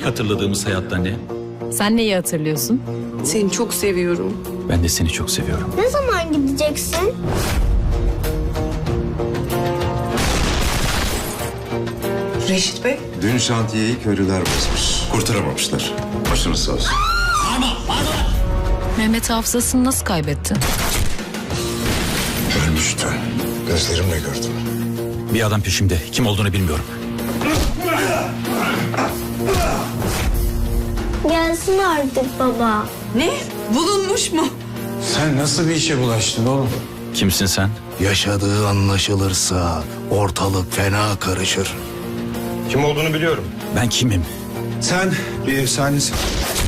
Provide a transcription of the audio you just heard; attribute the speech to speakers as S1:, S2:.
S1: İlk hatırladığımız hayatta ne?
S2: Sen neyi hatırlıyorsun?
S3: Seni çok seviyorum.
S1: Ben de seni çok seviyorum.
S4: Ne zaman gideceksin?
S3: Reşit Bey.
S5: Dün şantiyeyi köylüler basmış. Kurtaramamışlar. Başınız sağ olsun.
S2: Mehmet hafızasını nasıl kaybetti?
S5: Ölmüştü. Gözlerimle gördüm.
S1: Bir adam peşimde. Kim olduğunu bilmiyorum.
S4: Gelsin artık baba.
S3: Ne? Bulunmuş mu?
S6: Sen nasıl bir işe bulaştın oğlum?
S1: Kimsin sen?
S7: Yaşadığı anlaşılırsa ortalık fena karışır.
S5: Kim olduğunu biliyorum.
S1: Ben kimim?
S6: Sen bir efsanesin.